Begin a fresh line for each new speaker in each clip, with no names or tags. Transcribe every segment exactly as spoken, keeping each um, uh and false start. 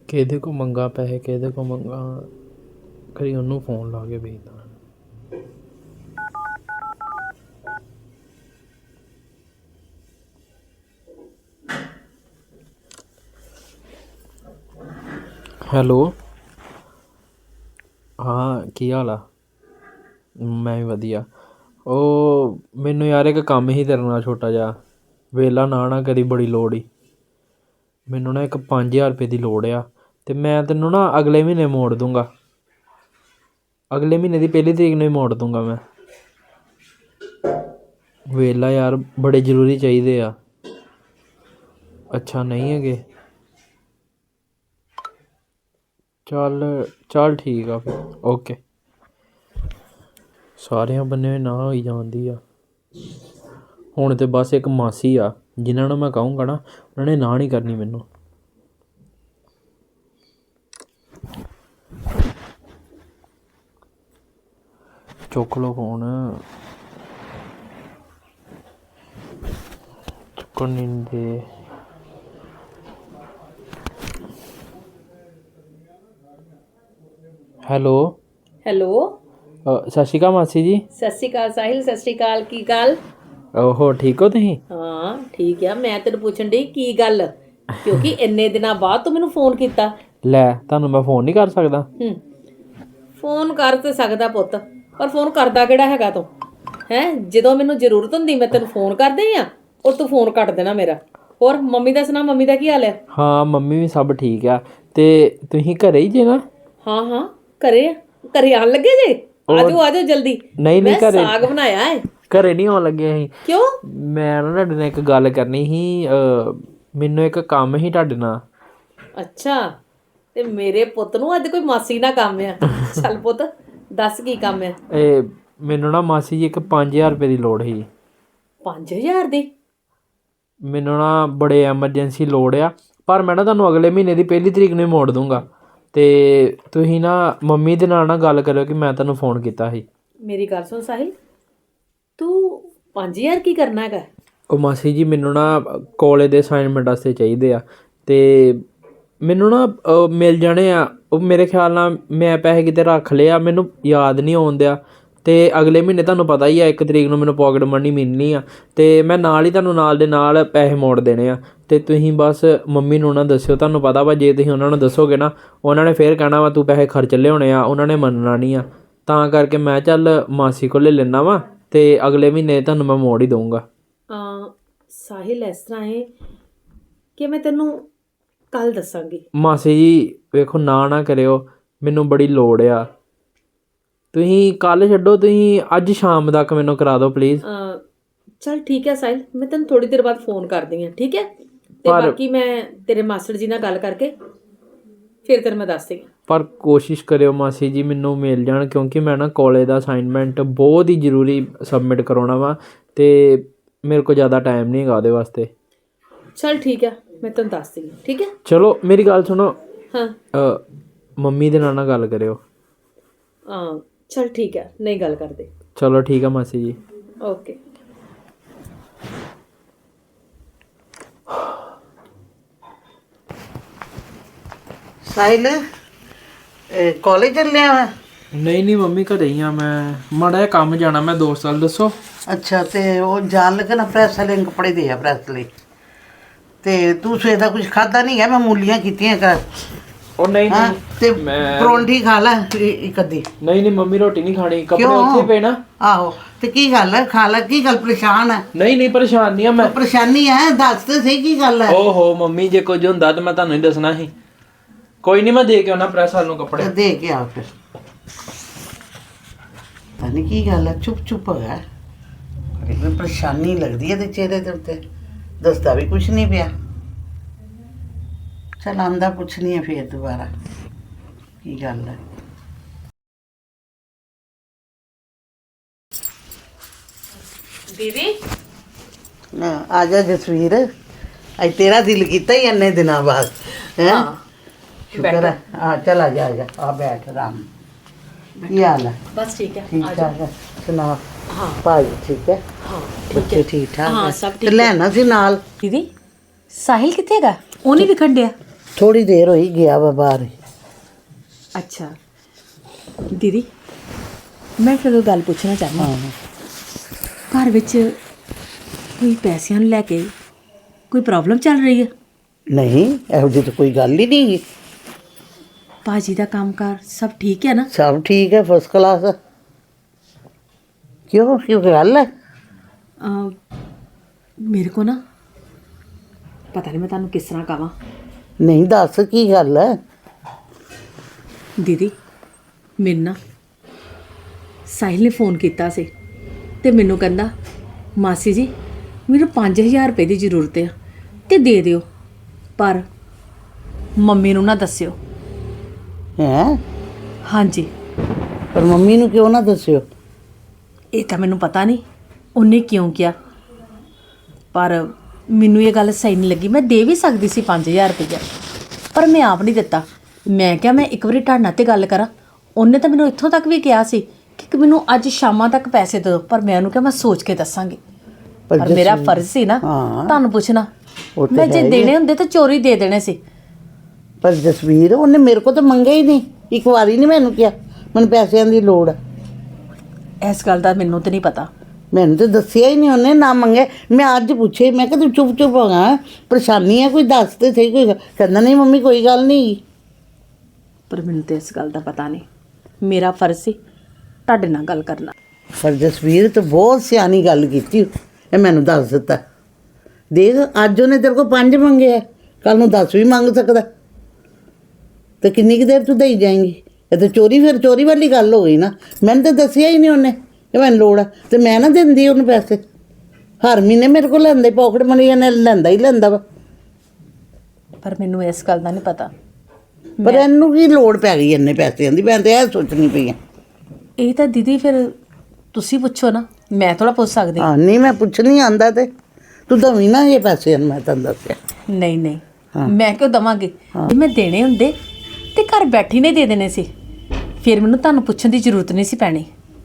ਕਿਹਦੇ ਕੋ ਮੰਗਾ ਪੈਸੇ, ਕਿਹਦੇ ਕੋ ਮੰਗਾ, ਕਰੀ ਉਹਨੂੰ ਫੋਨ ਲਾ ਕੇ ਵੇਖਦਾ। ਹੈਲੋ, ਹਾਂ ਕੀ ਹਾਲ ਆ? ਮੈਂ ਵੀ ਵਧੀਆ। ਉਹ ਮੈਨੂੰ ਯਾਰ ਇੱਕ ਕੰਮ ਸੀ ਤੇਰੇ ਨਾਲ ਛੋਟਾ ਜਿਹਾ, ਵਿਹਲਾ ਨਾ ਨਾ ਕਰੀ, ਬੜੀ ਲੋੜ ਸੀ ਮੈਨੂੰ ਨਾ। ਇੱਕ ਪੰਜ ਹਜ਼ਾਰ ਰੁਪਏ ਦੀ ਲੋੜ ਆ, ਅਤੇ ਮੈਂ ਤੈਨੂੰ ਨਾ ਅਗਲੇ ਮਹੀਨੇ ਮੋੜ ਦੂੰਗਾ। ਅਗਲੇ ਮਹੀਨੇ ਦੀ ਪਹਿਲੀ ਤਰੀਕ ਨੂੰ ਹੀ ਮੋੜ ਦੂੰਗਾ ਮੈਂ। ਵਿਹਲਾ ਯਾਰ, ਬੜੇ ਜ਼ਰੂਰੀ ਚਾਹੀਦੇ ਆ। ਅੱਛਾ ਨਹੀਂ ਹੈਗੇ? ਚੱਲ ਚੱਲ ਠੀਕ ਆ ਫਿਰ, ਓਕੇ। ਸਾਰਿਆਂ ਬੰਨੇ ਨਾ ਹੋਈ ਜਾਂਦੀ ਆ ਹੁਣ, ਤਾਂ ਬਸ ਇੱਕ ਮਾਸੀ ਆ ਜਿਨ੍ਹਾਂ ਨੂੰ ਮੈਂ ਕਹੂੰਗਾ ਨਾ, ਉਹਨਾਂ ਨੇ ਨਾ ਨਹੀਂ ਕਰਨੀ ਮੈਨੂੰ। ਚੁੱਕ ਲਓ ਫੋਨ। ਚੁੱਕਣ ਨਹੀਂ ਦੇ। ਹੈਲੋ
ਹੈਲੋ,
ਸਤਿ ਸ਼੍ਰੀ ਅਕਾਲ ਮਾਸੀ ਜੀ।
ਸਤਿ ਸ਼੍ਰੀ ਅਕਾਲ ਸਾਹਿਲ, ਸਤਿ ਸ਼੍ਰੀ ਅਕਾਲ। ਕੀ ਗੱਲ?
ਓਹੋ, ਠੀਕ ਹੋ ਤੁਸੀਂ?
ਹਾਂ ਠੀਕ ਆ। ਮੈਂ ਤੈਨੂੰ ਪੁੱਛਣ ਡਈ ਕੀ ਗੱਲ, ਕਿਉਂਕਿ ਇੰਨੇ ਦਿਨਾਂ ਬਾਅਦ ਤੂੰ ਮੈਨੂੰ ਫੋਨ ਕੀਤਾ।
ਲੈ, ਤੁਹਾਨੂੰ ਮੈਂ ਫੋਨ ਨਹੀਂ ਕਰ ਸਕਦਾ?
ਹੂੰ, ਫੋਨ ਕਰ ਤੇ ਸਕਦਾ ਪੁੱਤ, ਪਰ ਫੋਨ ਕਰਦਾ ਕਿਹੜਾ ਹੈਗਾ ਤੂੰ? ਹੈਂ, ਜਦੋਂ ਮੈਨੂੰ ਜ਼ਰੂਰਤ ਹੁੰਦੀ ਮੈਂ ਤੈਨੂੰ ਫੋਨ ਕਰਦੀ ਆ, ਔਰ ਤੂੰ ਫੋਨ ਕੱਟ ਦੇਣਾ ਮੇਰਾ। ਹੋਰ ਮੰਮੀ ਦਾ ਸੁਣਾ, ਮੰਮੀ ਦਾ ਕੀ ਹਾਲ ਹੈ?
ਹਾਂ, ਮੰਮੀ ਵੀ ਸਭ ਠੀਕ ਆ। ਤੇ ਤੁਸੀਂ ਘਰੇ ਹੀ ਜੇ ਨਾ?
ਹਾਂ ਹਾਂ, ਘਰੇ ਆ। ਘਰੇ ਆਉਣ ਲੱਗੇ ਜੇ? ਆਜੋ ਆਜੋ ਜਲਦੀ।
ਨਹੀਂ ਨਹੀਂ, ਘਰੇ
ਸਾਗ ਬਣਾਇਆ ਹੈ।
ਘਰੇ ਨਹੀਂ ਆਉਣ ਲੱਗੇ ਅਸੀਂ।
ਕਿਉਂ?
ਮੈਂ ਨਾ ਤੁਹਾਡੇ ਨਾਲ ਇੱਕ ਗੱਲ ਕਰਨੀ ਸੀ। ਮੈਨੂੰ ਇੱਕ ਕੰਮ ਸੀ ਤੁਹਾਡੇ ਨਾਲ।
ਅੱਛਾ, ਤੇ ਮੇਰੇ ਪੁੱਤ ਨੂੰ ਅੱਜ ਕੋਈ ਮਾਸੀ ਨਾਲ ਕੰਮ ਆ। ਚੱਲ ਪੁੱਤ ਦੱਸ ਕੀ ਕੰਮ ਆ?
ਇਹ ਮੈਨੂੰ ਨਾ ਮਾਸੀ ਜੀ ਇੱਕ ਪੰਜ ਹਜ਼ਾਰ ਰੁਪਏ ਦੀ ਲੋੜ ਸੀ।
ਪੰਜ ਹਜ਼ਾਰ ਦੀ?
ਮੈਨੂੰ ਨਾ ਬੜੇ ਐਮਰਜੈਂਸੀ ਲੋੜ ਆ, ਪਰ ਮੈਂ ਨਾ ਤੁਹਾਨੂੰ ਅਗਲੇ ਮਹੀਨੇ ਦੀ ਪਹਿਲੀ ਤਰੀਕ ਨੂੰ ਹੀ ਮੋੜ ਦੂੰਗਾ। ਅਤੇ ਤੁਸੀਂ ਨਾ ਮੰਮੀ ਦੇ ਨਾਲ ਨਾ ਗੱਲ ਕਰਿਓ ਕਿ ਮੈਂ ਤੁਹਾਨੂੰ ਫੋਨ ਕੀਤਾ ਸੀ।
ਮੇਰੀ ਗੱਲ ਸੁਣ ਸਾਹਿਲ, ਤੂੰ ਪੰਜ ਹਜ਼ਾਰ ਕੀ ਕਰਨਾ ਹੈਗਾ?
ਉਹ ਮਾਸੀ ਜੀ, ਮੈਨੂੰ ਨਾ ਕਾਲਜ ਦੇ ਅਸਾਈਨਮੈਂਟ ਵਾਸਤੇ ਚਾਹੀਦੇ ਆ, ਅਤੇ ਮੈਨੂੰ ਨਾ ਮਿਲ ਜਾਣੇ ਆ। ਉਹ ਮੇਰੇ ਖਿਆਲ ਨਾਲ ਮੈਂ ਪੈਸੇ ਕਿਤੇ ਰੱਖ ਲਏ ਆ, ਮੈਨੂੰ ਯਾਦ ਨਹੀਂ ਆਉਣ ਦਿਆ। ਅਤੇ ਅਗਲੇ ਮਹੀਨੇ ਤੁਹਾਨੂੰ ਪਤਾ ਹੀ ਆ, ਇੱਕ ਤਰੀਕ ਨੂੰ ਮੈਨੂੰ ਪੋਕਟ ਮਨੀ ਮਿਲਣੀ ਆ, ਅਤੇ ਮੈਂ ਨਾਲ ਹੀ ਤੁਹਾਨੂੰ ਨਾਲ ਦੇ ਨਾਲ ਪੈਸੇ ਮੋੜ ਦੇਣੇ ਆ। ਅਤੇ ਤੁਸੀਂ ਬਸ ਮੰਮੀ ਨੂੰ ਨਾ ਦੱਸਿਓ। ਤੁਹਾਨੂੰ ਪਤਾ ਵਾ, ਜੇ ਤੁਸੀਂ ਉਹਨਾਂ ਨੂੰ ਦੱਸੋਗੇ ਨਾ, ਉਹਨਾਂ ਨੇ ਫਿਰ ਕਹਿਣਾ ਵਾ ਤੂੰ ਪੈਸੇ ਖਰਚ ਲਿਆਉਣੇ ਆ, ਉਹਨਾਂ ਨੇ ਮੰਨਣਾ ਨਹੀਂ ਆ। ਤਾਂ ਕਰਕੇ ਮੈਂ ਚੱਲ ਮਾਸੀ ਕੋਲ ਲੈ ਲੈਂਦਾ ਵਾ, ਅਤੇ ਅਗਲੇ ਮਹੀਨੇ ਤੁਹਾਨੂੰ ਮੈਂ ਮੋੜ ਹੀ ਦਊਂਗਾ।
ਸਾਹਿਲ, ਇਸ ਤਰ੍ਹਾਂ ਹੈ ਕਿ ਮੈਂ ਤੈਨੂੰ ਕੱਲ ਦੱਸਾਂਗੀ।
ਮਾਸੀ ਜੀ ਵੇਖੋ, ਨਾ ਨਾ ਕਰਿਓ, ਮੈਨੂੰ ਬੜੀ ਲੋੜ ਆ। ਤੁਸੀਂ ਕੱਲ੍ਹ ਛੱਡੋ, ਤੁਸੀਂ ਅੱਜ ਸ਼ਾਮ ਤੱਕ ਮੈਨੂੰ ਕਰਾ ਦਿਓ ਪਲੀਜ਼।
ਚੱਲ ਠੀਕ ਹੈ ਸਾਹਿਲ, ਮੈਂ ਤੈਨੂੰ ਥੋੜ੍ਹੀ ਦੇਰ ਬਾਅਦ ਫੋਨ ਕਰਦੀ ਹਾਂ, ਠੀਕ ਹੈ? ਅਤੇ ਬਾਕੀ ਮੈਂ ਤੇਰੇ ਮਾਸਟਰ ਜੀ ਨਾਲ ਗੱਲ ਕਰਕੇ ਫਿਰ ਤੈਨੂੰ ਮੈਂ ਦੱਸਦੀ ਹਾਂ।
ਪਰ ਕੋਸ਼ਿਸ਼ ਕਰਿਓ ਮਾਸੀ ਜੀ ਮੈਨੂੰ ਮਿਲ ਜਾਣ, ਕਿਉਂਕਿ ਮੈਂ ਨਾ ਕਾਲਜ ਦਾ ਅਸਾਈਨਮੈਂਟ ਬਹੁਤ ਹੀ ਜ਼ਰੂਰੀ ਸਬਮਿਟ ਕਰਾਉਣਾ ਵਾ, ਅਤੇ ਮੇਰੇ ਕੋਲ ਜ਼ਿਆਦਾ ਟਾਈਮ ਨਹੀਂ ਹੈਗਾ ਉਹਦੇ ਵਾਸਤੇ।
ਚੱਲ ਠੀਕ ਹੈ, ਮੈਂ ਤੈਨੂੰ ਦੱਸਦੀ ਹਾਂ, ਠੀਕ ਹੈ?
ਚਲੋ ਮੇਰੀ ਗੱਲ ਸੁਣੋ।
ਹਾਂ,
ਮੰਮੀ ਦੇ ਨਾਲ ਨਾ ਗੱਲ ਕਰਿਓ।
ਹਾਂ ਚੱਲ ਠੀਕ ਹੈ, ਨਹੀਂ ਗੱਲ ਕਰਦੇ।
ਚਲੋ ਠੀਕ ਆ ਮਾਸੀ ਜੀ,
ਓਕੇ।
ਸਾਹਿਲ, ਕਾਲਜ ਚੱਲਿਆ ਵਾ?
ਨਹੀਂ ਨਹੀਂ ਮੰਮੀ, ਘਰੇ ਹੀ ਆ ਮੈਂ। ਮਾੜਾ ਜਿਹਾ ਕੰਮ ਜਾਣਾ ਮੈਂ ਦੋਸਤ ਨਾਲ। ਦੱਸੋ।
ਅੱਛਾ, ਤੇ ਉਹ ਜਾਣ ਲੱਗਾ ਨਾ ਪ੍ਰੈਸ ਵਾਲੇ ਨੂੰ ਕੱਪੜੇ ਦੇ ਆ ਪ੍ਰੈਸ ਲਈ। ਤੇ ਤੂੰ ਸਵੇਰ ਦਾ ਕੁਝ ਖਾਦਾ ਨਹੀਂ ਹੈ? ਮੈਂ ਮੂਲੀਆਂ ਕੀਤੀਆਂ ਘਰ।
ਉਹ ਨਹੀਂ
ਹਾਂ,
ਨਹੀਂ
ਤੇ
ਮੈਂ
ਪਰੌਂਠੀ ਖਾ ਲੈ ਇੱਕ ਅੱਧੀ।
ਨਹੀਂ ਨਹੀਂ ਮੰਮੀ, ਰੋਟੀ ਨਹੀਂ ਖਾਣੀ, ਕੱਪੜੇ
ਕਿਉਂ?
ਉੱਥੇ ਪਏ ਨਾ।
ਆਹੋ, ਤੇ ਕੀ ਗੱਲ ਹੈ? ਖਾ ਲੈ। ਕੀ ਗੱਲ, ਪਰੇਸ਼ਾਨ ਹੈ?
ਨਹੀਂ ਨਹੀਂ, ਪਰੇਸ਼ਾਨ ਨਹੀਂ ਆ ਮੈਂ।
ਪਰੇਸ਼ਾਨੀ ਹੈ? ਦੱਸ ਤੇ ਸਹੀ ਕੀ ਗੱਲ ਹੈ।
ਓਹੋ ਮੰਮੀ, ਜੇ ਕੁਝ ਹੁੰਦਾ ਤਾਂ ਮੈਂ ਤੁਹਾਨੂੰ ਹੀ ਦੱਸਣਾ ਸੀ। ਕੋਈ ਨਹੀਂ, ਮੈਂ ਦੇ ਕੇ ਆਉਣਾ ਪ੍ਰੈਸ ਵਾਲ ਨੂੰ ਕੱਪੜੇ।
ਦੇ ਕੇ ਆ ਫਿਰ। ਪਤਾ ਨਹੀਂ ਕੀ ਗੱਲ ਹੈ, ਚੁੱਪ ਚੁੱਪ ਹੈਗਾ। ਮੈਨੂੰ ਪਰੇਸ਼ਾਨੀ ਲੱਗਦੀ ਹੈ ਤੇ ਚਿਹਰੇ ਦੇ ਉੱਤੇ, ਦੱਸਦਾ ਵੀ ਕੁਛ ਨਹੀਂ ਪਿਆ। ਚੱਲ ਆਂਦਾ ਪੁੱਛਣੀ ਹੈ ਫਿਰ ਦੁਬਾਰਾ ਕੀ ਗੱਲ ਹੈ।
ਦੀਦੀ,
ਆ ਜਾ ਜਸਵੀਰ, ਅੱਜ ਤੇਰਾ ਦਿਲ ਕੀਤਾ ਹੀ ਇੰਨੇ ਦਿਨਾਂ ਬਾਅਦ ਹੈ। ਸ਼ੁਕਰ ਹੈ। ਹਾਂ ਚੱਲ ਆ ਜਾ, ਆ ਜਾ, ਆ ਬੈਠ ਆਰਾਮ। ਕੀ ਹਾਲ ਹੈ?
ਬਸ ਠੀਕ ਹੈ।
ਠੀਕ ਠਾਕ ਹੈ? ਸੁਣਾ।
ਹਾਂ
ਭਾਈ ਠੀਕ ਹੈ?
ਹਾਂ,
ਬੱਚੇ ਠੀਕ ਠਾਕ?
ਹਾਂ
ਹੈ?
ਸਭ
ਤੇ
ਠੀਕ।
ਲੈਣਾ ਸੀ ਨਾਲ।
ਦੀਦੀ, ਸਾਹਿਲ ਕਿੱਥੇ ਹੈਗਾ? ਉਹ ਨਹੀਂ ਵਿਖਣ ਡਿਆ।
ਥੋੜੀ ਦੇਰ ਹੋਈ ਗਿਆ ਵਾ ਬਾਹਰ।
ਅੱਛਾ ਦੀਦੀ, ਮੈਂ ਫਿਰ ਗੱਲ ਪੁੱਛਣਾ ਚਾਹੁੰਦਾ
ਹਾਂ
ਘਰ ਵਿੱਚ ਕੋਈ ਪੈਸਿਆਂ ਨੂੰ ਲੈ ਕੇ ਕੋਈ ਪ੍ਰੋਬਲਮ ਚੱਲ ਰਹੀ ਹੈ?
ਨਹੀਂ, ਇਹੋ ਜਿਹੀ ਤਾਂ ਕੋਈ ਗੱਲ ਹੀ ਨਹੀਂ ਗੀ।
ਭਾਜੀ ਦਾ ਕੰਮਕਾਰ ਸਭ ਠੀਕ ਹੈ ਨਾ?
ਸਭ ਠੀਕ ਹੈ, ਫਸਟ ਕਲਾਸ। ਕਿਉਂ ਕਿਉਂ ਗੱਲ ਹੈ?
ਅਮ, ਮੇਰੇ ਕੋ ਨਾ ਪਤਾ ਨਹੀਂ ਮੈਂ ਤੁਹਾਨੂੰ ਕਿਸ ਤਰ੍ਹਾਂ ਕਹਾਂ।
ਨਹੀਂ, ਦੱਸ ਕੀ ਗੱਲ ਹੈ?
ਦੀਦੀ, ਮੈਨੂੰ ਨਾ ਸਾਹਿਲ ਨੇ ਫੋਨ ਕੀਤਾ ਸੀ ਤੇ ਮੈਨੂੰ ਕਹਿੰਦਾ ਮਾਸੀ ਜੀ ਮੈਨੂੰ ਪੰਜ ਹਜ਼ਾਰ ਰੁਪਏ ਦੀ ਜ਼ਰੂਰਤ ਆ ਤੇ ਦੇ ਦਿਓ, ਪਰ ਮੰਮੀ ਨੂੰ ਨਾ ਦੱਸਿਓ।
ਹੈਂ?
ਹਾਂਜੀ,
ਪਰ ਮੰਮੀ ਨੂੰ ਕਿਉਂ ਨਾ ਦੱਸਿਓ?
ਇਹ ਤਾਂ ਮੈਨੂੰ ਪਤਾ ਨਹੀਂ ਉਹਨੇ ਕਿਉਂ ਕਿਹਾ, ਪਰ ਮੈਨੂੰ ਇਹ ਗੱਲ ਸਹੀ ਨਹੀਂ ਲੱਗੀ। ਮੈਂ ਦੇ ਵੀ ਸਕਦੀ ਸੀ ਪੰਜ ਹਜ਼ਾਰ ਰੁਪਇਆ, ਪਰ ਮੈਂ ਆਪ ਨਹੀਂ ਦਿੱਤਾ। ਮੈਂ ਕਿਹਾ ਮੈਂ ਇੱਕ ਵਾਰੀ ਤੁਹਾਡੇ ਨਾਲ ਤੇ ਗੱਲ ਕਰਾਂ। ਉਹਨੇ ਤਾਂ ਮੈਨੂੰ ਇੱਥੋਂ ਤੱਕ ਵੀ ਕਿਹਾ ਸੀ ਕਿ ਮੈਨੂੰ ਅੱਜ ਸ਼ਾਮਾਂ ਤੱਕ ਪੈਸੇ ਦੇ ਦਿਓ, ਪਰ ਮੈਂ ਉਹਨੂੰ ਕਿਹਾ ਮੈਂ ਸੋਚ ਕੇ ਦੱਸਾਂਗੀ। ਪਰ ਮੇਰਾ ਫਰਜ਼ ਸੀ ਨਾ
ਹਾਂ।
ਤੁਹਾਨੂੰ ਪੁੱਛਣਾ।
ਉਹ ਤਾਂ
ਮੈਂ ਜੇ
ਹੈ ਹੀ
ਦੇਣੇ ਹੁੰਦੇ ਤਾਂ ਚੋਰੀ ਦੇ ਦੇਣੇ ਸੀ।
ਪਰ ਜਸਵੀਰ, ਉਹਨੇ ਮੇਰੇ ਕੋਲ ਤਾਂ ਮੰਗਿਆ ਹੀ ਨਹੀਂ, ਇੱਕ ਵਾਰੀ ਨਹੀਂ ਮੈਨੂੰ ਕਿਹਾ ਮੈਨੂੰ ਪੈਸਿਆਂ ਦੀ ਲੋੜ ਹੈ।
ਇਸ ਗੱਲ ਦਾ ਮੈਨੂੰ ਤਾਂ ਨਹੀਂ ਪਤਾ।
ਮੈਨੂੰ ਤਾਂ ਦੱਸਿਆ ਹੀ ਨਹੀਂ ਉਹਨੇ, ਨਾ ਮੰਗੇ। ਮੈਂ ਅੱਜ ਪੁੱਛੇ, ਮੈਂ ਕਿਹਾ ਤੂੰ ਚੁੱਪ ਚੁੱਪ ਹੋਗਾ, ਪਰੇਸ਼ਾਨੀ ਹੈ ਕੋਈ, ਦੱਸ ਤੇ ਸਹੀ ਕੋਈ ਗੱਲ। ਕਹਿੰਦਾ ਨਹੀਂ ਮੰਮੀ ਕੋਈ ਗੱਲ ਨਹੀਂ।
ਪਰ ਮੈਨੂੰ ਤਾਂ ਇਸ ਗੱਲ ਦਾ ਪਤਾ ਨਹੀਂ। ਮੇਰਾ ਫਰਜ਼ ਸੀ ਤੁਹਾਡੇ ਨਾਲ ਗੱਲ ਕਰਨਾ।
ਪਰ ਜਸਵੀਰ ਤਾਂ ਬਹੁਤ ਸਿਆਣੀ ਗੱਲ ਕੀਤੀ, ਇਹ ਮੈਨੂੰ ਦੱਸ ਦਿੱਤਾ। ਦੇਖ, ਅੱਜ ਉਹਨੇ ਤੇਰੇ ਕੋਲ ਪੰਜ ਮੰਗੇ ਆ, ਕੱਲ ਨੂੰ ਦਸ ਵੀ ਮੰਗ ਸਕਦਾ, ਤੇ ਕਿੰਨੀ ਕੁ ਦੇਰ ਤੂੰ ਦੇਈ ਜਾਏਂਗੀ? ਇਹ ਤਾਂ ਚੋਰੀ, ਫਿਰ ਚੋਰੀ ਵਾਲੀ ਗੱਲ ਹੋ ਗਈ ਨਾ। ਮੈਨੂੰ ਤਾਂ ਦੱਸਿਆ ਹੀ ਨਹੀਂ ਉਹਨੇ ਕਿ ਮੈਨੂੰ ਲੋੜ ਆ, ਤੇ ਮੈਂ ਨਾ ਦਿੰਦੀ ਉਹਨੂੰ ਪੈਸੇ। ਹਰ ਮਹੀਨੇ ਮੇਰੇ ਕੋਲ ਲੈਂਦੇ, ਪੋਕਟ ਮਨੀ ਇਹਨੇ ਲੈਂਦਾ ਹੀ ਲੈਂਦਾ ਵਾ।
ਪਰ ਮੈਨੂੰ ਇਸ ਗੱਲ ਦਾ ਨਹੀਂ ਪਤਾ।
ਪਰ ਇਹਨੂੰ ਕੀ ਲੋੜ ਪੈ ਗਈ ਇੰਨੇ ਪੈਸਿਆਂ ਦੀ? ਮੈਂ ਤਾਂ ਇਹ ਸੋਚਣੀ ਪਈ ਆ।
ਇਹ ਤਾਂ ਦੀਦੀ ਫਿਰ ਤੁਸੀਂ ਪੁੱਛੋ ਨਾ, ਮੈਂ ਥੋੜਾ ਪੁੱਛ ਸਕਦੀ।
ਹਾਂ, ਨਹੀਂ ਮੈਂ ਪੁੱਛਣੀ ਆਂਦਾ ਤੇ ਤੂੰ ਦਵੀਂ ਨਾ ਇਹ ਪੈਸੇ, ਮੈਂ ਤੈਨੂੰ ਦੱਸਿਆ।
ਨਹੀਂ ਨਹੀਂ, ਮੈਂ ਕਿਉਂ ਦਵਾਂਗੀ? ਜੇ ਮੈਂ ਦੇਣੇ ਹੁੰਦੇ ਤੇ ਘਰ ਬੈਠੀ ਨੇ ਦੇ ਦੇਣੇ ਸੀ, ਫਿਰ ਮੈਨੂੰ ਤੁਹਾਨੂੰ ਪੁੱਛਣ ਦੀ ਜ਼ਰੂਰਤ ਨਹੀਂ ਸੀ ਪੈਣੀ।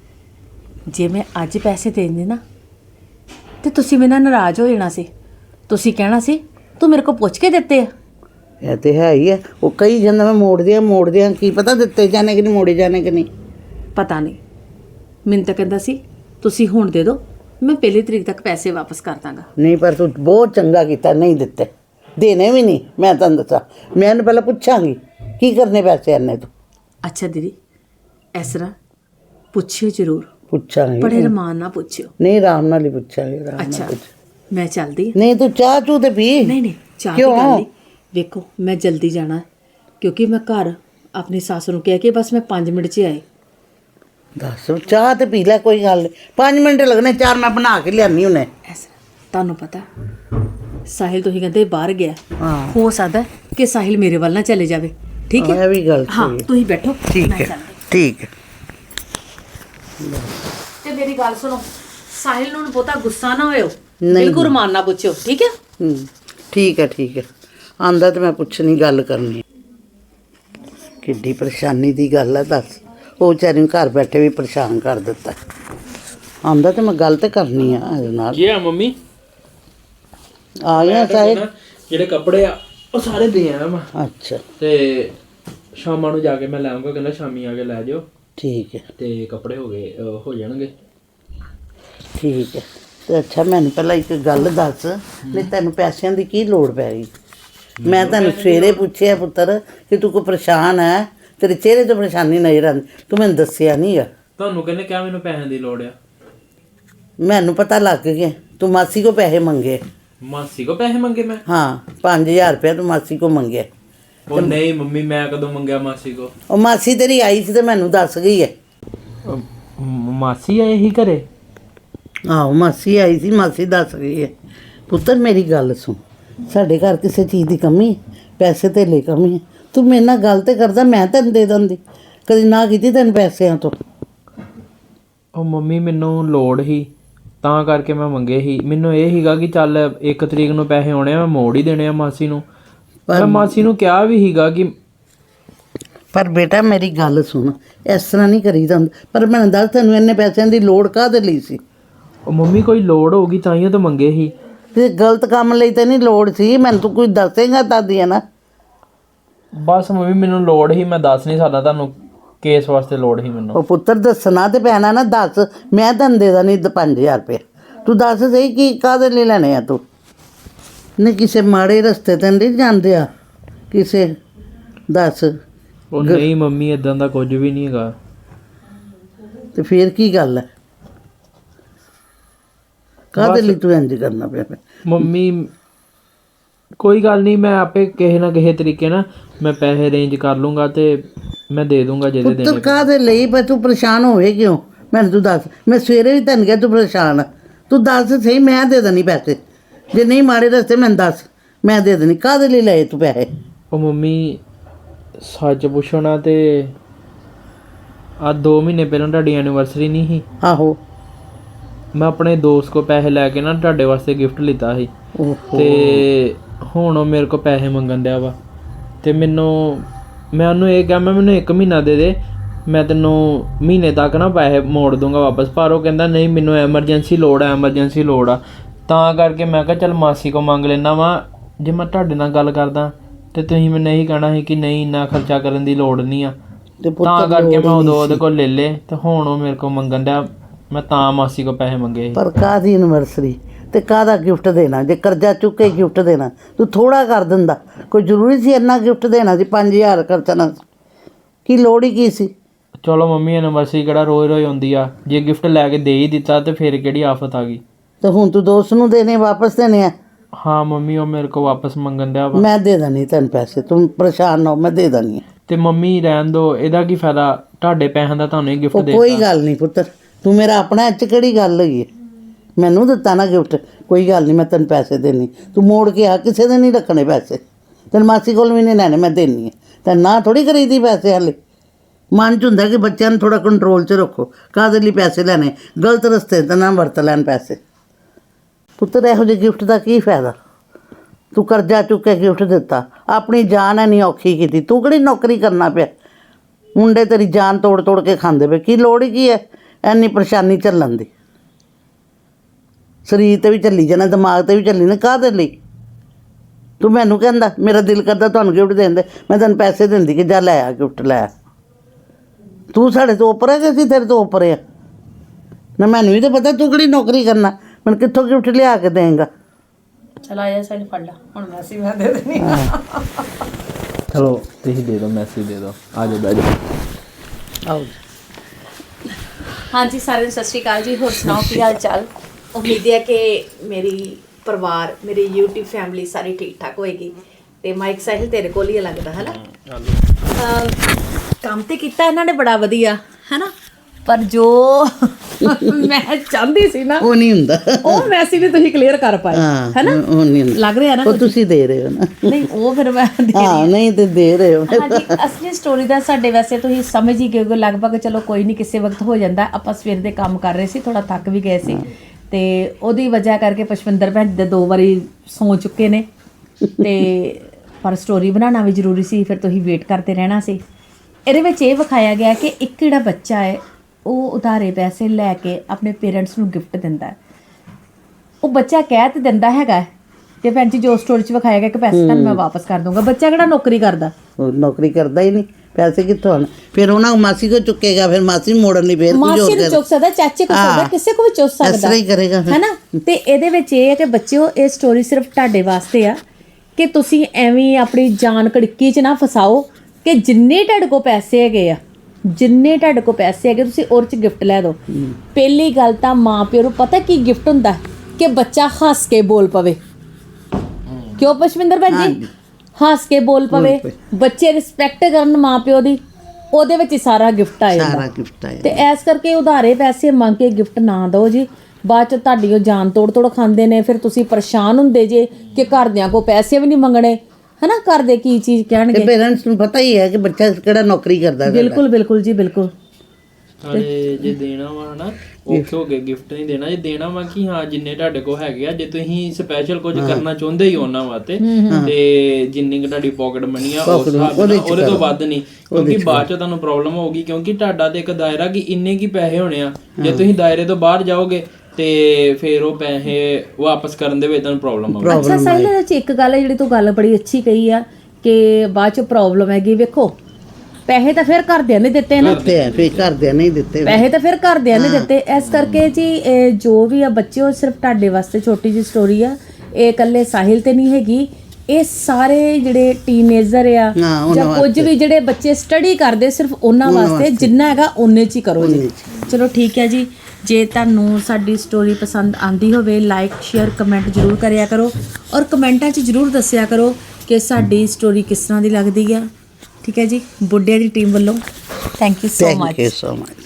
ਜੇ ਮੈਂ ਅੱਜ ਪੈਸੇ ਦੇ ਦਿੰਦੀ ਨਾ ਤੇ ਤੁਸੀਂ ਮੇਰੇ ਨਾਲ ਨਾਰਾਜ਼ ਹੋ ਜਾਣਾ ਸੀ। ਤੁਸੀਂ ਕਹਿਣਾ ਸੀ ਤੂੰ ਮੇਰੇ ਕੋਲ ਪੁੱਛ ਕੇ ਦਿੱਤੇ ਆ।
ਇਹ ਤੇ ਹੈ ਹੀ ਹੈ। ਉਹ ਕਈ ਜਾਂਦਾ ਮੈਂ ਮੋੜਦੇ ਆ ਮੋੜਦੇ ਆ, ਕੀ ਪਤਾ ਦਿੱਤੇ ਜਾਣੇ ਕਿ ਨਹੀਂ, ਮੋੜੇ ਜਾਣੇ ਕਿ ਨਹੀਂ।
ਪਤਾ ਨਹੀਂ, ਮੈਨੂੰ ਤਾਂ ਕਹਿੰਦਾ ਸੀ ਤੁਸੀਂ ਹੁਣ ਦੇ ਦਿਓ, ਮੈਂ ਪਹਿਲੀ ਤਰੀਕ ਤੱਕ ਪੈਸੇ ਵਾਪਸ ਕਰ ਦਾਂਗਾ।
ਨਹੀਂ, ਪਰ ਤੂੰ ਬਹੁਤ ਚੰਗਾ ਕੀਤਾ, ਨਹੀਂ ਦਿੱਤੇ, ਦੇਣੇ ਵੀ ਨਹੀਂ। ਮੈਂ ਤੁਹਾਨੂੰ ਦੱਸਾਂ, ਮੈਂ ਇਹਨੂੰ ਪਹਿਲਾਂ ਪੁੱਛਾਂਗੀ ਕੀ ਕਰਨੇ ਪੈਸੇ ਇੰਨੇ ਤੂੰ।
ਅੱਛਾ ਦੀਦੀ, ਇਸ ਤਰ੍ਹਾਂ ਪੁੱਛਿਓ ਜ਼ਰੂਰ,
ਪੁੱਛਾਂਗੀ।
ਬੜੇ ਰਮਾਨ ਨਾਲ ਪੁੱਛਿਓ।
ਨਹੀਂ, ਆਰਾਮ ਨਾਲ ਹੀ ਪੁੱਛਾਂਗੇ, ਆਰਾਮ ਨਾਲ
ਅੱਛਾ,
ਪੁੱਛ।
ਮੈਂ ਚੱਲਦੀ ਹਾਂ।
ਨਹੀਂ, ਤੂੰ ਚਾਹ ਚੂ ਤੇ ਪੀ।
ਨਹੀਂ ਨਹੀਂ, ਚਾਹ ਦੀ
ਕਿਉਂ?
ਗੱਲ ਨਹੀਂ। ਵੇਖੋ ਮੈਂ ਜਲਦੀ ਜਾਣਾ ਹੈ, ਕਿਉਂਕਿ ਮੈਂ ਘਰ ਆਪਣੀ ਸੱਸ ਨੂੰ ਕਿਹਾ ਕਿ ਬਸ ਮੈਂ ਪੰਜ ਮਿੰਟ 'ਚ ਆਏ।
ਦੱਸ, ਚਾਹ ਤੇ ਪੀ ਲੈ, ਕੋਈ ਗੱਲ ਨਹੀਂ। ਪੰਜ ਮਿੰਟ ਲੱਗਣੇ, ਚਾਰ ਮੈਂ ਬਣਾ ਕੇ ਲਿਆਨੀ ਹੁਣੇ।
ਐਸਾ ਤੁਹਾਨੂੰ ਪਤਾ ਸਾਹਿਲ ਤੁਸੀਂ ਕਹਿੰਦੇ ਬਾਹਰ ਗਿਆ,
ਹਾਂ।
ਹੋ ਸਕਦਾ ਕਿ ਸਾਹਿਲ ਮੇਰੇ ਵੱਲ ਨਾ ਚਲੇ ਜਾਵੇ। ਠੀਕ
ਹਾਂ,
ਹੈ,
ਇਹ ਵੀ ਗੱਲ
ਹਾਂ
ਸਹੀ ਹੈ।
ਤੁਸੀਂ ਬੈਠੋ,
ਠੀਕ
ਮੈਂ
ਹੈ,
ਚੱਲਦੀ।
ਠੀਕ ਹੈ।
ਤੇ ਮੇਰੀ ਗੱਲ ਸੁਣੋ, ਸਾਹਿਲ ਨੂੰ ਬਹੁਤਾ ਗੁੱਸਾ ਨਾ ਹੋਇਓ,
ਨਹੀਂ।
ਬਿਲਕੁਲ ਰਮਾਨ ਨਾਲ ਪੁੱਛਿਓ, ਠੀਕ ਹੈ?
ਹੂੰ, ਠੀਕ ਹੈ, ਠੀਕ ਹੈ। ਆਂਦਾ ਤੇ ਮੈਂ ਪੁੱਛਣੀ, ਗੱਲ ਕਰਨੀ। ਕਿੱਡੀ ਪਰੇਸ਼ਾਨੀ ਦੀ ਗੱਲ ਹੈ, ਦੱਸ। ਉਹ ਵਿਚਾਰੀ ਨੂੰ ਘਰ ਬੈਠੇ ਵੀ ਪਰੇਸ਼ਾਨ ਕਰ ਦਿੱਤਾ। ਆਂਦਾ ਤੇ ਮੈਂ ਗੱਲ ਤੇ ਕਰਨੀ ਆ ਇਹਦੇ ਨਾਲ।
ਕੀ ਆ ਮੰਮੀ?
ਆ ਗਿਆ ਸਾਹਿਬ?
ਜਿਹੜੇ ਕੱਪੜੇ ਆ ਉਹ ਸਾਰੇ ਦੇ ਆਇਆ ਮੈਂ,
ਅੱਛਾ,
ਤੇ ਸ਼ਾਮਾਂ ਨੂੰ ਜਾ ਕੇ ਮੈਂ ਲੈ ਆਉਂਗਾ। ਕਹਿੰਦਾ ਸ਼ਾਮੀ ਆ ਕੇ ਲੈ ਜਾਓ,
ਠੀਕ ਹੈ,
ਤੇ ਕੱਪੜੇ ਹੋ ਗਏ ਅਹ ਹੋ ਜਾਣਗੇ।
ਠੀਕ ਹੈ। ਤੇ ਅੱਛਾ, ਮੈਨੂੰ ਪਹਿਲਾਂ ਇੱਕ ਗੱਲ ਦੱਸ, ਨਹੀਂ ਤੈਨੂੰ ਪੈਸਿਆਂ ਦੀ ਕੀ ਲੋੜ ਪੈ ਗਈ? ਮੈਂ ਤੈਨੂੰ ਸਵੇਰੇ ਪੁੱਛਿਆ ਪੁੱਤਰ ਕਿ ਤੂੰ ਕੋਈ ਪਰੇਸ਼ਾਨ ਹੈ, ਤੇਰੇ ਚਿਹਰੇ ਤੋਂ ਪਰੇਸ਼ਾਨੀ ਨਜ਼ਰ ਆਉਂਦੀ, ਤੂੰ ਮੈਨੂੰ ਦੱਸਿਆ ਨਹੀਂ ਆ।
ਤੁਹਾਨੂੰ ਕਹਿੰਦੇ ਕਿਆ ਮੈਨੂੰ ਪੈਸਿਆਂ ਦੀ ਲੋੜ ਆ?
ਮੈਨੂੰ ਪਤਾ ਲੱਗ ਗਿਆ, ਤੂੰ ਮਾਸੀ ਕੋ ਪੈਸੇ ਮੰਗੇ।
ਮਾਸੀ ਕੋ ਪੈਸੇ ਮੰਗੇ ਮੈਂ?
ਹਾਂ, ਪੰਜ ਹਜ਼ਾਰ ਰੁਪਇਆ ਤੂੰ ਮਾਸੀ ਕੋ ਮੰਗਿਆ।
ਉਹ ਨਹੀਂ ਮੰਮੀ, ਮੈਂ ਕਦੋਂ ਮੰਗਿਆ ਮਾਸੀ ਕੋ?
ਉਹ ਮਾਸੀ ਤੇਰੀ ਆਈ ਸੀ ਤੇ ਮੈਨੂੰ ਦੱਸ ਗਈ ਹੈ।
ਅਹ ਮ- ਮਾਸੀ ਆਏ ਹੀ ਘਰੇ?
ਆਹੋ, ਮਾਸੀ ਆਈ ਸੀ, ਮਾਸੀ ਦੱਸ ਗਈ ਹੈ। ਪੁੱਤਰ ਮੇਰੀ ਗੱਲ ਸੁਣ, ਸਾਡੇ ਘਰ ਕਿਸੇ ਚੀਜ਼ ਦੀ ਕਮੀ ਹੈ? ਪੈਸੇ ਧੇਲੇ ਕਮੀ ਹੈ? ਤੂੰ ਮੇਰੇ ਨਾਲ ਗੱਲ ਤੇ ਕਰਦਾ, ਮੈਂ ਤੈਨੂੰ ਦੇ ਦਿੰਦੀ। ਕਦੀ ਨਾ ਕੀਤੀ ਤੈਨੂੰ ਪੈਸਿਆਂ ਤੋਂ।
ਉਹ ਮੰਮੀ ਮੈਨੂੰ ਲੋੜ ਹੀ, ਤਾਂ ਕਰਕੇ ਮੈਂ ਮੰਗੇ ਸੀ। ਮੈਨੂੰ ਇਹ ਸੀਗਾ ਕਿ ਚੱਲ ਇੱਕ ਤਰੀਕ ਨੂੰ ਪੈਸੇ ਆਉਣੇ ਆ, ਮੈਂ ਮੋੜ ਹੀ ਦੇਣੇ ਆ ਮਾਸੀ ਨੂੰ। ਮੈਂ ਮਾਸੀ ਨੂੰ ਕਿਹਾ ਵੀ ਸੀਗਾ ਕਿ
ਪਰ ਬੇਟਾ ਮੇਰੀ ਗੱਲ ਸੁਣ, ਇਸ ਤਰ੍ਹਾਂ ਨਹੀਂ ਕਰੀਦਾ ਹੁੰਦਾ। ਪਰ ਮੈਨੂੰ ਦੱਸ, ਤੈਨੂੰ ਇੰਨੇ ਪੈਸਿਆਂ ਦੀ ਲੋੜ ਕਾਹਦੇ ਲਈ ਸੀ?
ਉਹ ਮੰਮੀ ਕੋਈ ਲੋੜ ਹੋਊਗੀ ਤਾਂ ਹੀ ਤਾਂ ਮੰਗੇ ਸੀ।
ਤੇ ਗਲਤ ਕੰਮ ਲਈ ਤੇ ਨਹੀਂ ਲੋੜ ਸੀ, ਮੈਨੂੰ ਤੂੰ ਕੋਈ ਦੱਸੇਗਾ ਤਾਂ ਦੀ ਹੈ ਨਾ।
ਬਸ ਮੰਮੀ ਮੈਨੂੰ ਲੋੜ ਹੀ, ਮੈਂ ਦੱਸ ਨਹੀਂ ਸਕਦਾ ਤੁਹਾਨੂੰ ਕੇਸ ਵਾਸਤੇ ਲੋੜ ਹੀ ਮੈਨੂੰ।
ਉਹ ਪੁੱਤਰ ਦੱਸਣਾ ਤੇ ਪੈਣਾ ਨਾ, ਦੱਸ। ਮੈਂ ਤੈਨੂੰ ਦੇ ਦੇਣੀ ਪੰਜ ਹਜ਼ਾਰ ਰੁਪਏ, ਤੂੰ ਦੱਸ ਸਹੀ ਕੀ ਕਾਹਦੇ ਲਈ ਲੈਣੇ ਆ ਤੂੰ? ਨਹੀਂ ਕਿਸੇ ਮਾੜੇ ਰਸਤੇ ਤੇ ਨਹੀਂ ਜਾਂਦੇ ਆ ਕਿਸੇ, ਦੱਸ।
ਉਹ ਨਹੀਂ ਮੰਮੀ ਇਦਾਂ ਦਾ ਕੁਝ ਵੀ ਨਹੀਂ ਹੈਗਾ।
ਤੇ ਫੇਰ ਕੀ ਗੱਲ ਹੈ, ਕਾਹਦੇ ਲਈ ਤੂੰ ਇੰਝ ਕਰਨਾ ਪਿਆ?
ਮੰਮੀ ਕੋਈ ਗੱਲ ਨਹੀਂ, ਮੈਂ ਆਪੇ ਕਿਸੇ ਨਾ ਕਿਸੇ ਤਰੀਕੇ ਨਾਲ ਮੈਂ ਪੈਸੇ ਅਰੇਂਜ ਕਰ ਲੂੰਗਾ ਤੇ ਮੈਂ ਦੇ ਦੂੰਗਾ ਜਿਹਦੇ
ਪੁੱਤਰ
ਦੇਣੇ।
ਕਾਹਦੇ ਲਈ? ਪਰ ਤੂੰ ਪਰੇਸ਼ਾਨ ਹੋਵੇ ਕਿਉਂ? ਮੈਨੂੰ ਤੂੰ ਦੱਸ। ਮੈਂ ਸਵੇਰੇ ਵੀ ਤੈਨੂੰ ਕਿਹਾ ਤੂੰ ਪਰੇਸ਼ਾਨ ਆ, ਤੂੰ ਦੱਸ ਸਹੀ, ਮੈਂ ਦੇ ਦੇਣੀ ਪੈਸੇ। ਜੇ ਨਹੀਂ ਮਾੜੇ ਰਸਤੇ ਮੈਨੂੰ ਦੱਸ, ਮੈਂ ਦੇ ਦੇਣੀ। ਕਾਹਦੇ ਲਈ ਲਏ ਤੂੰ ਪੈਸੇ?
ਉਹ ਮੰਮੀ ਸੱਚ ਪੁੱਛੋ ਨਾ ਤੇ ਆ ਦੋ ਮਹੀਨੇ ਪਹਿਲਾਂ ਤੁਹਾਡੀ ਐਨੀਵਰਸਰੀ ਨਹੀਂ ਸੀ,
ਆਹੋ।
ਮੈਂ ਆਪਣੇ ਦੋਸਤ ਕੋ ਪੈਸੇ ਲੈ ਕੇ ਨਾ ਤੁਹਾਡੇ ਵਾਸਤੇ ਗਿਫਟ ਲਿੱਤਾ ਸੀ
ਓਹੋ।
ਤੇ ਹੁਣ ਉਹ ਮੇਰੇ ਕੋ ਪੈਸੇ ਮੰਗਣ ਦਿਆ ਵਾ ਤੇ ਮੈਨੂੰ, ਮੈਂ ਉਹਨੂੰ ਇਹ ਕਿਹਾ ਮੈਂ ਮੈਨੂੰ ਇੱਕ ਮਹੀਨਾ ਦੇ ਦੇ, ਮੈਂ ਤੈਨੂੰ ਮਹੀਨੇ ਤੱਕ ਨਾ ਪੈਸੇ ਮੋੜ ਦੂੰਗਾ ਵਾਪਸ। ਪਰ ਉਹ ਕਹਿੰਦਾ ਨਹੀਂ ਮੈਨੂੰ ਐਮਰਜੈਂਸੀ ਲੋੜ ਆ, ਐਮਰਜੈਂਸੀ ਲੋੜ ਆ। ਤਾਂ ਕਰਕੇ ਮੈਂ ਕਿਹਾ ਚੱਲ ਮਾਸੀ ਕੋ ਮੰਗ ਲੈਣਾ ਵਾ। ਜੇ ਮੈਂ ਤੁਹਾਡੇ ਨਾਲ ਗੱਲ ਕਰਦਾ ਤੇ ਤੁਸੀਂ ਮੈਨੂੰ ਇਹੀ ਕਹਿਣਾ ਸੀ ਕਿ ਨਹੀਂ ਇੰਨਾ ਖਰਚਾ ਕਰਨ ਦੀ ਲੋੜ ਨਹੀਂ ਆ।
ਤੇ
ਤਾਂ ਕਰਕੇ ਮੈਂ ਉਦੋਂ ਉਹਦੇ ਕੋਲ ਲੈ ਲਏ ਤੇ ਹੁਣ ਉਹ ਮੇਰੇ ਕੋਲ ਮੰਗਣ ਦਿਆ, ਮੈਂ ਤਾਂ ਮਾਸੀ ਕੋ ਪੈਸੇ ਮੰਗੇ ਸੀ।
ਪਰ ਕਾਹਦੀ ਯੂਨੀਵਰਸਿਟੀ ਤੇ ਕਾਹਦਾ ਗਿਫਟ ਦੇਣਾ? ਜੇ ਕਰਜ਼ਾ ਚੁੱਕ ਕੇ ਗਿਫਟ ਦੇਣਾ ਤੂੰ ਥੋੜਾ ਕਰ ਦਿੰਦਾ। ਕੋਈ ਜ਼ਰੂਰੀ ਸੀ ਇੰਨਾ ਗਿਫਟ ਦੇਣਾ ਸੀ? ਪੰਜ ਹਜ਼ਾਰ ਖਰਚਣਾ ਕੀ ਲੋੜ ਹੀ ਕੀ ਸੀ?
ਚਲੋ ਮੰਮੀ ਐਨੀਵਰਸਰੀ ਕਿਹੜਾ ਰੋਜ਼ ਰੋਜ਼ ਆਉਂਦੀ ਆ, ਜੇ ਗਿਫਟ ਲੈ ਕੇ ਦੇ ਹੀ ਦਿੱਤਾ ਤੇ ਫਿਰ ਕਿਹੜੀ ਆਫਤ ਆ ਗਈ।
ਤੇ ਹੁਣ ਤੂੰ ਦੋਸਤ ਨੂੰ ਦੇਣੇ, ਵਾਪਸ ਦੇਣੇ ਆ?
ਹਾਂ ਮੰਮੀ ਉਹ ਮੇਰੇ ਕੋ ਵਾਪਸ ਮੰਗਣ ਦਿਆ ਵਾ।
ਮੈਂ ਦੇ ਦੇਣੀ ਤੈਨੂੰ ਪੈਸੇ, ਤੂੰ ਪਰੇਸ਼ਾਨ ਨਾ ਹੋ, ਮੈਂ ਦੇ ਦੇਣੀ ਆ।
ਤੇ ਮੰਮੀ ਰਹਿਣ ਦੋ, ਇਹਦਾ ਕੀ ਫਾਇਦਾ? ਤੁਹਾਡੇ ਪੈਸਿਆਂ ਦਾ ਤੁਹਾਨੂੰ ਹੀ ਗਿਫਟ
ਉਹ
ਦੇ
ਕੋਈ ਗੱਲ ਨਹੀਂ ਪੁੱਤਰ, ਤੂੰ ਮੇਰਾ ਆਪਣਾ, ਇੱਚ ਕਿਹੜੀ ਗੱਲ ਹੈਗੀ ਹੈ? ਮੈਨੂੰ ਦਿੱਤਾ ਨਾ ਗਿਫਟ, ਕੋਈ ਗੱਲ ਨਹੀਂ, ਮੈਂ ਤੈਨੂੰ ਪੈਸੇ ਦੇਣੀ। ਤੂੰ ਮੋੜ ਕੇ ਆ, ਕਿਸੇ ਦੇ ਨਹੀਂ ਰੱਖਣੇ ਪੈਸੇ। ਤੈਨੂੰ ਮਾਸੀ ਕੋਲ ਵੀ ਨਹੀਂ ਲੈਣੇ, ਮੈਂ ਦੇਣੀ ਹੈ। ਤੈਨੂੰ ਨਾ ਥੋੜੀ ਕਰੀਦੀ ਪੈਸੇ ਹਾਲੇ। ਮਨ 'ਚ ਹੁੰਦਾ ਕਿ ਬੱਚਿਆਂ ਨੂੰ ਥੋੜਾ ਕੰਟਰੋਲ 'ਚ ਰੱਖੋ। ਕਾਹਦੇ ਲਈ ਪੈਸੇ ਲੈਣੇ? ਗਲਤ ਰਸਤੇ ਤੇ ਨਾ ਵਰਤ ਲੈਣ ਪੈਸੇ। ਪੁੱਤਰ ਇਹੋ ਜਿਹੇ ਗਿਫਟ ਦਾ ਕੀ ਫਾਇਦਾ? ਤੂੰ ਕਰਜ਼ਾ ਚੁੱਕ ਕੇ ਗਿਫਟ ਦਿੱਤਾ, ਆਪਣੀ ਜਾਨ ਐ ਨਹੀਂ ਔਖੀ ਕੀਤੀ। ਤੂੰ ਕਿਹੜੀ ਨੌਕਰੀ ਕਰਨਾ ਪਿਆ? ਮੁੰਡੇ ਤੇਰੀ ਜਾਨ ਤੋੜ ਤੋੜ ਕੇ ਖਾਂਦੇ ਪਏ। ਕੀ ਲੋੜ ਹੀ ਕੀ ਹੈ ਐਨੀ ਪਰੇਸ਼ਾਨੀ ਝੱਲਣ ਦੀ? ਸਰੀਰ ਤੇ ਵੀ ਚੱਲੀ ਜਾਣਾ, ਦਿਮਾਗ ਤੇ ਵੀ ਚੱਲੀ ਨਾ। ਕਾਹਦੇ ਲਈ? ਤੂੰ ਮੈਨੂੰ ਕਹਿੰਦਾ ਮੇਰਾ ਦਿਲ ਕਰਦਾ ਤੁਹਾਨੂੰ ਗਿਫਟ ਦੇਣ ਦੇ, ਮੈਂ ਤੈਨੂੰ ਪੈਸੇ ਦਿੰਦੀ ਕਿ ਜਾ ਲੈ ਆ ਗਿਫਟ ਲੈ ਆ। ਤੂੰ ਸਾਡੇ ਤੋਂ ਉੱਪਰ ਹੈ ਕਿ ਅਸੀਂ ਤੇਰੇ ਤੋਂ ਉੱਪਰ ਆ? ਨਾ ਮੈਨੂੰ ਵੀ ਤਾਂ ਪਤਾ ਤੂੰ ਕਿਹੜੀ ਨੌਕਰੀ ਕਰਨਾ, ਮੈਨੂੰ ਕਿੱਥੋਂ ਗਿਫਟ ਲਿਆ ਕੇ ਦੇਂਗਾ?
ਚਲ ਆ ਜਾ ਸਾਨੂੰ ਫੜ ਲਾ ਹੁਣ, ਮੈਸੀ ਮੈਂ ਦੇ ਦੇਣੀ।
ਚਲੋ ਤੁਸੀਂ ਦੇ ਦਿਓ, ਮੈਸੇਜ ਦੇ ਦਿਓ। ਆ ਜਾਓ ਬਹਿ ਜਾਓ।
ਆਓ।
ਹਾਂਜੀ ਸਾਰਿਆਂ ਨੂੰ ਸਤਿ ਸ਼੍ਰੀ ਅਕਾਲ ਜੀ। ਹੋਰ ਸੁਣਾਓ ਕੀ ਹਾਲ ਚਾਲ? ਉਮੀਦ ਹੈ ਕਿ ਮੇਰੀ ਪਰਿਵਾਰ, ਮੇਰੀ YouTube ਫੈਮਿਲੀ ਸਾਰੀ ਠੀਕ ਠਾਕ ਹੋਏਗੀ। ਤੇ ਮਾਈਕ ਸਾਹਿਲ ਤੇਰੇ ਕੋਲ ਹੀ ਲੱਗਦਾ ਹੈ ਨਾ? ਕੰਮ ਤੇ ਕੀਤਾ ਇਹਨਾਂ ਨੇ ਬੜਾ ਵਧੀਆ ਹੈ ਨਾ, ਪਰ ਜੋ ਮੈਂ ਚਾਹੁੰਦੀ ਸੀ ਨਾ
ਉਹ ਨਹੀਂ ਹੁੰਦਾ।
ਉਹ ਮੈਸੀ ਵੀ ਤੁਸੀਂ ਕਲੀਅਰ ਕਰ ਪਾਏ
ਹਾਂ,
ਹੈ ਨਾ?
ਉਹ ਨਹੀਂ ਹੁੰਦਾ।
ਲੱਗ ਰਿਹਾ ਨਾ
ਉਹ ਤੁਸੀਂ ਦੇ ਰਹੇ ਹੋ ਨਾ।
ਨਹੀਂ ਉਹ ਫਿਰ ਮੈਂ
ਹਾਂ ਨਹੀਂ ਤੇ ਦੇ ਰਹੇ ਹੋ।
ਹਾਂਜੀ ਅਸਲੀ ਸਟੋਰੀ ਦਾ ਸਾਡੇ ਵੈਸੇ ਤੁਸੀਂ ਸਮਝ ਹੀ ਗਏ ਹੋ ਲਗਭਗ। ਚਲੋ ਕੋਈ ਨਹੀਂ, ਕਿਸੇ ਵਕਤ ਹੋ ਜਾਂਦਾ। ਆਪਾਂ ਸਵੇਰ ਦੇ ਕੰਮ ਕਰ ਰਹੇ ਸੀ, ਥੋੜਾ ਥੱਕ ਵੀ ਗਏ ਸੀ ਤੇ ਉਹਦੀ ਵਜ੍ਹਾ ਕਰਕੇ ਪੁਸ਼ਪਿੰਦਰ ਭੈਣ ਦੇ ਦੋ ਵਾਰੀ ਸੌ ਚੁੱਕੇ ਨੇ ਤੇ ਪਰ ਸਟੋਰੀ ਬਣਾਉਣਾ ਵੀ ਜ਼ਰੂਰੀ ਸੀ, ਫਿਰ ਤੁਸੀਂ ਵੇਟ ਕਰਦੇ ਰਹਿਣਾ ਸੀ। ਇਹਦੇ ਵਿੱਚ ਇਹ ਵਿਖਾਇਆ ਗਿਆ ਕਿ ਇੱਕ ਜਿਹੜਾ ਬੱਚਾ ਹੈ ਉਹ ਉਧਾਰੇ ਪੈਸੇ ਲੈ ਕੇ ਆਪਣੇ ਪੇਰੈਂਟਸ ਨੂੰ ਗਿਫਟ ਦਿੰਦਾ ਹੈ। ਉਹ ਬੱਚਾ ਕਹਿ ਤੇ ਦਿੰਦਾ ਹੈਗਾ ਕਿ ਭੈਣ ਜੀ ਜੋ ਸਟੋਰੀ 'ਚ ਵਿਖਾਇਆ ਗਿਆ ਕਿ ਪੈਸੇ ਤੁਹਾਨੂੰ ਮੈਂ ਵਾਪਸ ਕਰ ਦੂੰਗਾ। ਬੱਚਾ ਕਿਹੜਾ ਨੌਕਰੀ ਕਰਦਾ?
ਉਹ ਨੌਕਰੀ ਕਰਦਾ ਹੀ ਨਹੀਂ, ਪੈਸੇ ਕਿੱਥੋਂ ਆਣ? ਫਿਰ ਉਹਨਾਂ ਮਾਸੀ ਕੋ ਚੁੱਕੇਗਾ, ਫਿਰ ਮਾਸੀ ਮੋੜਨ ਲਈ ਫੇਰ ਕੁਝ
ਮਾਸੀ
ਹੋਰ
ਨੂੰ ਚੁੱਕ ਸਕਦਾ, ਚਾਚੇ ਕੋਲ ਸਕਦਾ, ਕਿਸੇ ਕੋਲ ਵੀ ਚੁੱਕ ਸਕਦਾ।
ਇਸ ਤਰ੍ਹਾਂ ਹੀ ਕਰੇਗਾ ਫਿਰ।
ਹੈ ਨਾ? ਤੇ ਇਹਦੇ ਵਿੱਚ ਇਹ ਹੈ ਕਿ ਬੱਚਿਓ, ਇਹ ਸਟੋਰੀ ਸਿਰਫ ਤੁਹਾਡੇ ਵਾਸਤੇ ਆ ਕਿ ਤੁਸੀਂ ਐਵੇਂ ਆਪਣੀ ਜਾਨ ਕੜਕੀ 'ਚ ਨਾ ਫਸਾਓ ਕਿ ਜਿੰਨੇ ਤੁਹਾਡੇ ਕੋਲ ਪੈਸੇ ਹੈਗੇ ਆ, ਜਿੰਨੇ ਤੁਹਾਡੇ ਕੋਲ ਪੈਸੇ ਹੈਗੇ ਤੁਸੀਂ ਉਹ 'ਚ ਗਿਫਟ ਲੈ ਦਿਓ। ਪਹਿਲੀ ਗੱਲ ਤਾਂ ਮਾਂ ਪਿਓ ਨੂੰ ਪਤਾ ਕੀ ਗਿਫਟ ਹੁੰਦਾ ਕਿ ਬੱਚਾ ਹੱਸ ਕੇ ਬੋਲ ਪਵੇ। ਕਿਉਂ ਪੁਸ਼ਪਿੰਦਰ ਭੈਣ ਜੀ? ਹੱਸ ਕੇ ਬੋਲ ਪਵੇ, ਬੱਚੇ ਰਿਸਪੈਕਟ ਕਰਨ ਮਾਂ ਪਿਓ ਦੀ, ਉਹਦੇ ਵਿੱਚ ਹੀ ਸਾਰਾ ਗਿਫਟ ਆ ਜਾਂਦਾ।
ਸਾਰਾ ਗਿਫਟ ਆਇਆ।
ਤੇ ਇਸ ਕਰਕੇ ਉਧਾਰੇ ਪੈਸੇ ਮੰਗ ਕੇ ਗਿਫਟ ਨਾ ਦਿਓ ਜੀ। ਬਾਅਦ ਚ ਤੁਹਾਡੀ ਉਹ ਜਾਨ ਤੋੜ ਤੋੜ ਖਾਂਦੇ ਨੇ, ਫਿਰ ਤੁਸੀਂ ਪਰੇਸ਼ਾਨ ਹੁੰਦੇ ਜੇ ਕਿ ਘਰਦਿਆਂ ਕੋ ਪੈਸੇ ਵੀ ਨਹੀਂ ਮੰਗਣੇ, ਹਨਾ? ਘਰ ਦੇ ਕੀ ਚੀਜ਼ ਕਹਿਣਗੇ।
ਤੇ ਪੇਰੈਂਟਸ ਨੂੰ ਪਤਾ ਹੀ ਹੈ ਕਿ ਬੱਚਾ ਕਿਹੜਾ ਨੌਕਰੀ ਕਰਦਾ ਹੈ।
ਬਿਲਕੁਲ ਬਿਲਕੁਲ ਜੀ ਬਿਲਕੁਲ।
ਨਾਲੇ ਜੇ ਦੇਣਾ ਵਾ ਹਨਾ ਔਖੇ ਹੋ ਕੇ ਗਿਫਟ ਨਹੀਂ ਦੇਣਾ। ਜੇ ਦੇਣਾ ਵਾ ਕਿ ਹਾਂ ਜਿੰਨੇ ਤੁਹਾਡੇ ਕੋਲ ਹੈਗੇ ਆ, ਜੇ ਤੁਸੀਂ ਸਪੈਸ਼ਲ ਕੁਝ ਕਰਨਾ ਚਾਹੁੰਦੇ ਹੀ ਉਹਨਾਂ ਵਾਸਤੇ ਤੇ ਜਿੰਨੀ ਕੁ ਤੁਹਾਡੀ ਪਾਕਟ ਮਨੀ ਆ ਉਸ ਹਿਸਾਬ ਨਾਲ, ਉਹਦੇ ਤੋਂ ਵੱਧ ਨਹੀਂ, ਕਿਉਂਕਿ ਬਾਅਦ ਚ ਤੁਹਾਨੂੰ ਪ੍ਰੋਬਲਮ ਹੋਊਗੀ। ਕਿਉਂਕਿ ਤੁਹਾਡਾ ਤੇ ਇੱਕ ਦਾਇਰਾ ਕਿ ਇੰਨੇ ਕੀ ਪੈਸੇ ਹੋਣੇ ਆ, ਜੇ ਤੁਸੀਂ ਦਾਇਰੇ ਤੋਂ ਬਾਹਰ ਜਾਓਗੇ ਤੇ ਫਿਰ ਉਹ ਪੈਸੇ ਵਾਪਸ ਕਰਨ ਦੇ ਵਿੱਚ ਤੁਹਾਨੂੰ ਪ੍ਰੋਬਲਮ ਆਊਗੀ।
ਅੱਛਾ ਸਾਹਿਲ, ਇਹਦੇ ਚ ਇੱਕ ਗੱਲ ਹੈ ਜਿਹੜੀ ਤੂੰ ਗੱਲ ਬੜੀ ਅੱਛੀ ਕਹੀ ਆ ਕਿ ਬਾਅਦ ਚ ਪ੍ਰੋਬਲਮ ਹੈਗੀ। ਵੇਖੋ ਪੈਸੇ ਤਾਂ ਫਿਰ ਘਰਦਿਆਂ ਨੇ ਦਿੱਤੇ ਨਾ,
ਦਿੱਤੇ ਆ ਫੇ ਘਰਦਿਆਂ ਨਹੀਂ ਦਿੱਤੇ
ਪੈਸੇ ਤਾਂ ਫਿਰ ਘਰਦਿਆਂ ਨੇ ਦਿੱਤੇ। ਇਸ ਕਰਕੇ ਜੀ ਇਹ ਜੋ ਵੀ ਆ ਬੱਚੇ, ਉਹ ਸਿਰਫ ਤੁਹਾਡੇ ਵਾਸਤੇ ਛੋਟੀ ਜਿਹੀ ਸਟੋਰੀ ਆ। ਇਹ ਇਕੱਲੇ ਸਾਹਿਲ ਤੇ ਨਹੀਂ ਹੈਗੀ, ਇਹ ਸਾਰੇ ਜਿਹੜੇ ਟੀਨੇਜਰ ਆ
ਹਾਂ, ਉਹਨਾਂ
ਜਾਂ ਕੁਝ ਵੀ ਜਿਹੜੇ ਬੱਚੇ ਸਟੱਡੀ ਕਰਦੇ, ਸਿਰਫ ਉਹਨਾਂ ਵਾਸਤੇ ਜਿੰਨਾ ਹੈਗਾ ਉਹਨੇ ਚ ਹੀ ਕਰੋ ਜੀ। ਚਲੋ ਠੀਕ ਹੈ ਜੀ। ਜੇ ਤੁਹਾਨੂੰ ਸਾਡੀ ਸਟੋਰੀ ਪਸੰਦ ਆਂਦੀ ਹੋਵੇ, ਲਾਈਕ ਸ਼ੇਅਰ ਕਮੈਂਟ ਜ਼ਰੂਰ ਕਰਿਆ ਕਰੋ, ਔਰ ਕਮੈਂਟਾਂ 'ਚ ਜ਼ਰੂਰ ਦੱਸਿਆ ਕਰੋ ਕਿ ਸਾਡੀ ਸਟੋਰੀ ਕਿਸ ਤਰ੍ਹਾਂ ਦੀ ਲੱਗਦੀ ਆ। ਠੀਕ ਹੈ ਜੀ। ਬੁੱਢਿਆਂ ਦੀ ਟੀਮ ਵੱਲੋਂ thank you so much.
Thank you so much.